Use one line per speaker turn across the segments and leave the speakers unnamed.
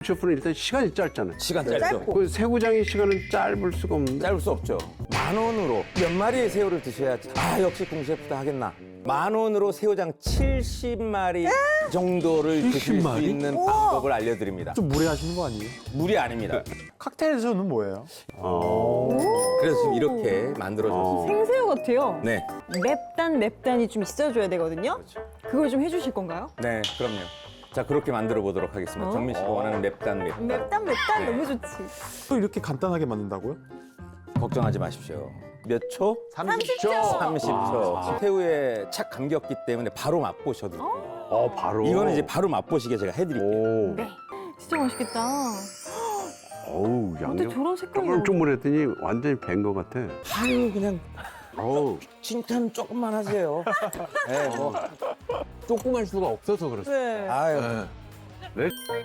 궁셰프는 일단 시간이 짧잖아요.
시간 짧죠?
그 새우장의 시간은 짧을 수가 없는데.
짧을 수 없죠. 10,000원으로 몇 마리의 새우를 드셔야 역시 궁셰프다 하겠나. 10,000원으로 새우장 70마리 정도를 드실 수
70마리?
있는 방법을 알려드립니다.
좀 무리하시는 거 아니에요?
무리 아닙니다.
칵테일에서는 뭐예요?
그래서 지금 이렇게 만들어졌습니다.
생새우 같아요.
네,
맵단이 좀 있어줘야 되거든요. 그걸 좀 해주실 건가요?
네, 그럼요. 자, 그렇게 만들어 보도록 하겠습니다. 정민 씨가 원하는 맵단.
맵단
네.
너무 좋지.
또 이렇게 간단하게 만든다고요?
걱정하지 마십시오. 몇 초?
30초.
30초. 새우에 착 감겼기 때문에 바로 맛보셔도 돼요.
바로.
이거는 이제 바로 맛보시게 제가 해드릴게요.
네. 진짜 맛있겠다.
어우,
근데
양념.
저런 색깔이
쪼물쪼물했더니 완전히 밴 것 같아.
아유, 그냥
어우.
칭찬 조금만 하세요. 네, 뭐.
조금할 수가 없어서 그렇어.
네.
아유.
네.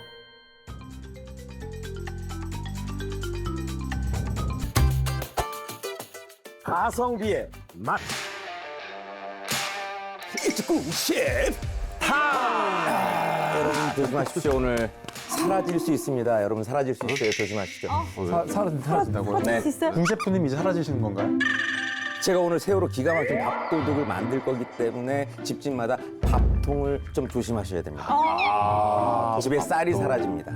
가성비의 맛. 이츠쿠 셰프 타. 여러분 조심하십시오. 오늘 사라질 수 있습니다. 여러분 사라질 수 있어요. 조심하시죠.
사라진다고요?
네.
할수 있어요?
궁셰프님 이제 사라지시는 건가요?
제가 오늘 새우로 기가 막힌 밥도둑을 만들 거기 때문에 집집마다 밥통을 좀 조심하셔야 됩니다. 집에 쌀이 사라집니다.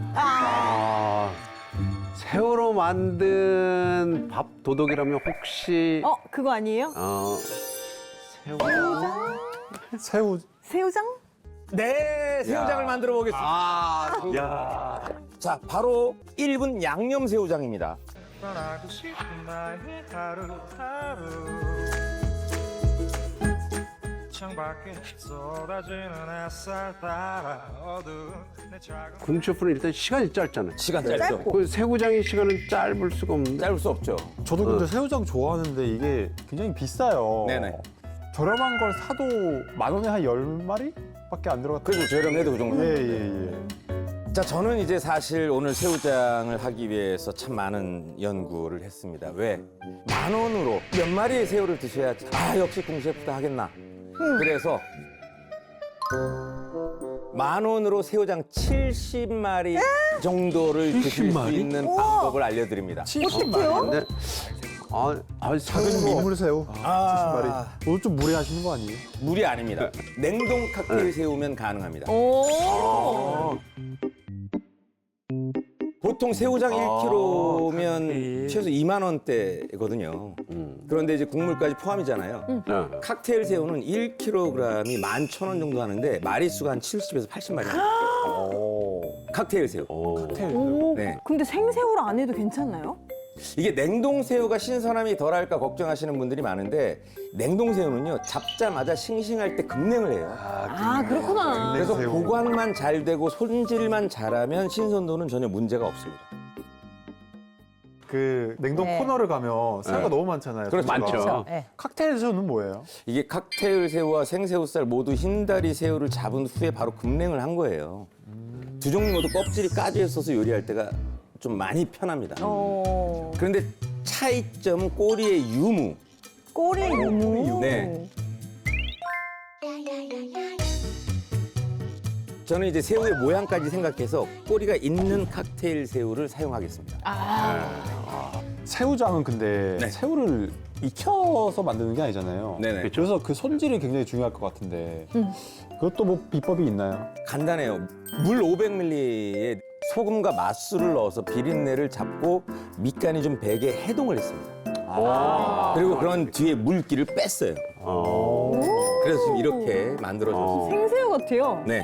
새우로 만든 밥 도둑이라면 혹시
그거 아니에요?
새우.
새우
새우장?
네, 새우장을 만들어 보겠습니다.
야.
자, 바로 1분 양념 새우장입니다.
떠나고 싶은 나의 하루하루 창밖에 쏟아지는 햇살 따라 어두운 내 작은
궁셰프는 일단 시간이 짧잖아요.
시간 짧죠?
그 새우장의 시간은 짧을 수가 없는데.
짧을 수 없죠.
저도 근데 새우장 좋아하는데 이게 굉장히 비싸요.
네네.
저렴한 걸 사도 10,000원에 한 10마리? 밖에 안 들어갔다.
그래도 저렴해도 그 정도.
예.
자, 저는 이제 사실 오늘 새우장을 하기 위해서 참 많은 연구를 했습니다. 왜? 10,000원으로 몇 마리의 새우를 드셔야 역시 궁셰프다 하겠나. 그래서 10,000원으로 새우장 70마리 정도를 드실 수
70마리?
있는 방법을 알려드립니다.
70마리?
근데
작은
새우.
민물 새우 70마리. 오늘 좀 무리하시는 거 아니에요?
무리 아닙니다. 냉동 칵테일 새우면 가능합니다.
오.
보통 새우장 1kg면 최소 2만 원대거든요. 그런데 이제 국물까지 포함이잖아요.
네.
칵테일 새우는 1kg이 11,000원 정도 하는데 마리수가 한 70에서 80마리입니다. 칵테일 새우.
오.
네.
근데 생새우를 안 해도 괜찮나요?
이게 냉동 새우가 신선함이 덜할까 걱정하시는 분들이 많은데 냉동 새우는요 잡자마자 싱싱할 때 급냉을 해요.
그렇구나.
그래서
새우.
보관만 잘 되고 손질만 잘하면 신선도는 전혀 문제가 없습니다.
그 냉동
네.
코너를 가면 새우가 너무 많잖아요.
그렇죠.
종류가.
많죠.
네.
칵테일에서는 뭐예요?
이게 칵테일 새우와 생새우살 모두 흰다리 새우를 잡은 후에 바로 급냉을 한 거예요. 두 종류 모두 껍질이 까져 있어서 요리할 때가 좀 많이 편합니다. 그런데 차이점은 꼬리의 유무.
꼬리 유무.
네. 저는 이제 새우의 모양까지 생각해서 꼬리가 있는 칵테일 새우를 사용하겠습니다.
새우장은 근데
네.
새우를 익혀서 만드는 게 아니잖아요.
네네.
그래서 그 손질이 굉장히 중요할 것 같은데 그것도 뭐 비법이 있나요?
간단해요. 물 500ml에 소금과 맛술을 넣어서 비린내를 잡고 밑간이 좀 배게 해동을 했습니다. 그리고 그런 뒤에 물기를 뺐어요. 그래서 지금 이렇게 만들어졌습니다.
생새우 같아요.
네.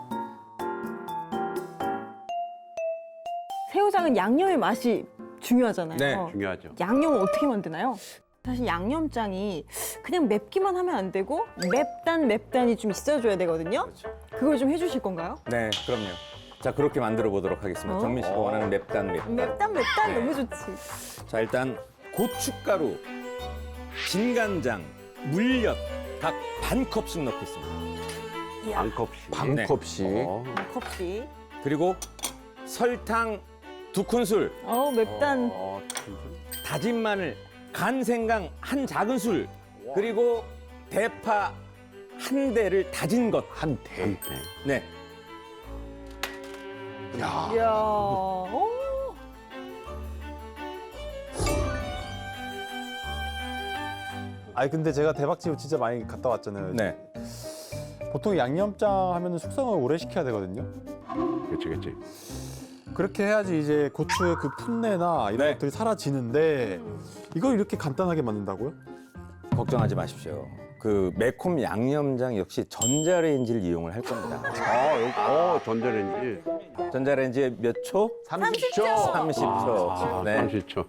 새우장은 양념의 맛이 중요하잖아요.
네,
중요하죠.
양념을 어떻게 만드나요? 사실 양념장이 그냥 맵기만 하면 안 되고 맵단이 좀 있어줘야 되거든요. 그걸 좀 해주실 건가요?
네, 그럼요. 자, 그렇게 만들어 보도록 하겠습니다. 정민 씨가 원하는 맵단.
맵단
네.
너무 좋지.
자, 일단 고춧가루, 진간장, 물엿 각 반 컵씩 넣겠습니다.
반 컵씩.
컵씩.
한 컵씩.
그리고 설탕 2큰술,
맵단.
다진 마늘, 간 생강 1작은술, 그리고 대파 1대를 다진 것.
한 대.
네.
이야. 오.
아니 근데 제가 대박집 진짜 많이 갔다 왔잖아요.
네.
보통 양념장 하면은 숙성을 오래 시켜야 되거든요.
그렇지, 그렇지.
그렇게 해야지 이제 고추의 그 풋내나 이런
네.
것들이 사라지는데 이걸 이렇게 간단하게 만든다고요?
걱정하지 마십시오. 그 매콤 양념장 역시 전자레인지를 이용을 할 겁니다.
전자레인지.
전자레인지에 몇 초?
30초.
30초. 네.
30초.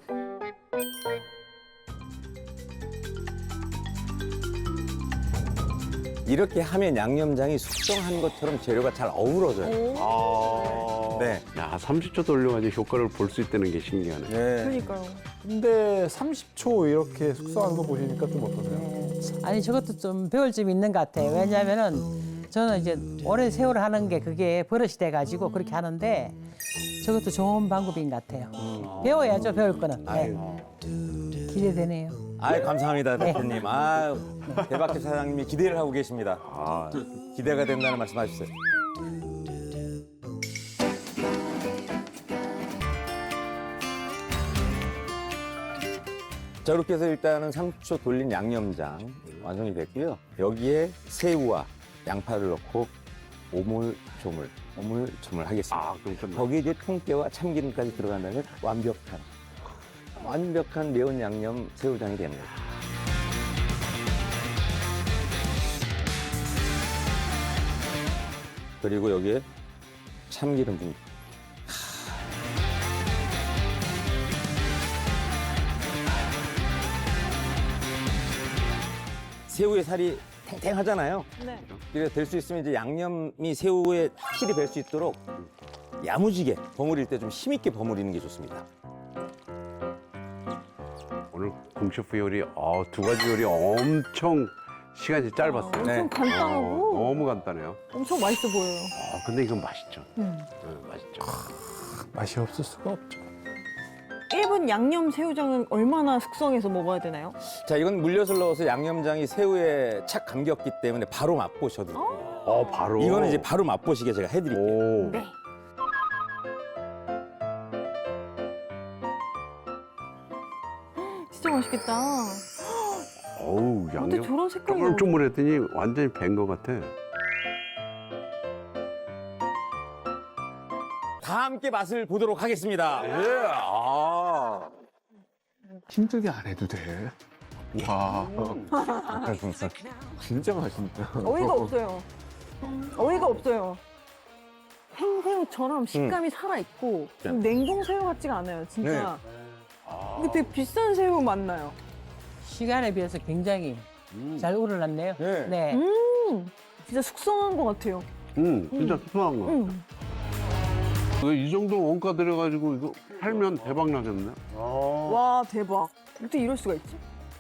이렇게 하면 양념장이 숙성한 것처럼 재료가 잘 어우러져요.
아.
네.
야, 30초 돌려가지고 효과를 볼 수 있다는 게 신기하네.
네.
그러니까요.
근데 30초 이렇게 숙성하는 거 보시니까 좀 어떠세요?
아니 저것도 좀 배울 점이 있는 것 같아요. 왜냐하면은 저는 이제 오랜 세월 하는 게 그게 버릇이 돼가지고 그렇게 하는데 저것도 좋은 방법인 것 같아요. 배워야죠, 배울 거는. 네. 기대되네요.
아이 감사합니다 대표님. 아 대박집 사장님이 기대를 하고 계십니다. 기대가 된다는 말씀하셨어요. 자 이렇게 해서 일단은 30초 돌린 양념장 완성이 됐고요. 여기에 새우와 양파를 넣고 오물조물 하겠습니다.
아, 그럼 끝나.
거기에 이제 통깨와 참기름까지 들어간다면 완벽한 매운 양념 새우장이 됩니다. 그리고 여기에 참기름 좀. 새우의 살이 탱탱하잖아요.
네.
그래서 될 수 있으면 이제 양념이 새우에 확실히 뵐 수 있도록 야무지게 버무릴 때 좀 힘있게 버무리는 게 좋습니다.
오늘 공셰프 요리, 두 가지 요리 엄청 시간이 짧았어요.
네.
엄청 간단하고
너무 간단해요.
엄청 맛있어 보여요.
근데 이건 맛있죠. 맛있죠.
맛이 없을 수가 없죠.
1분 양념 새우장은 얼마나 숙성해서 먹어야 되나요?
자, 이건 물엿을 넣어서 양념장이 새우에 착 감겼기 때문에 바로 맛보셔도 돼요.
바로.
이거는 이제 바로 맛보시게 제가 해드릴게요.
오.
네. 진짜 맛있겠다.
어우,
어떻게
양념.
저런 색깔이 나오지?
쪼물쪼물했더니 완전히 밴 것 같아.
다 함께 맛을 보도록 하겠습니다.
힘들게 안 해도 돼. 와. 진짜 맛있다.
어이가 없어요. 어이가 없어요. 생새우처럼 식감이 살아있고 좀 냉동 새우 같지가 않아요, 진짜. 근데 되게 비싼 새우 맞나요?
시간에 비해서 굉장히 잘 우러났네요.
네.
네.
진짜 숙성한 것 같아요.
진짜 수상한 거. 이 정도 원가 들여가지고 이거 팔면 대박 나겠네.
와, 대박. 어떻게 이럴 수가 있지?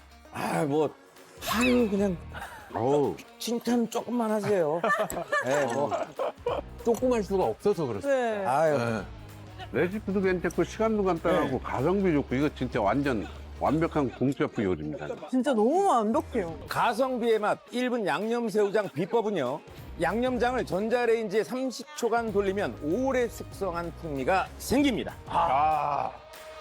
그냥
어우.
칭찬 조금만 하세요. 네, 뭐.
조그만 수가 없어서 그렇죠.
네.
아유.
레시피도 괜찮고 시간도 간단하고 가성비 좋고 이거 진짜 완전 완벽한 공셰프 요리입니다.
진짜 너무 완벽해요.
가성비의 맛 1분 양념새우장 비법은요. 양념장을 전자레인지에 30초간 돌리면 오래 숙성한 풍미가 생깁니다.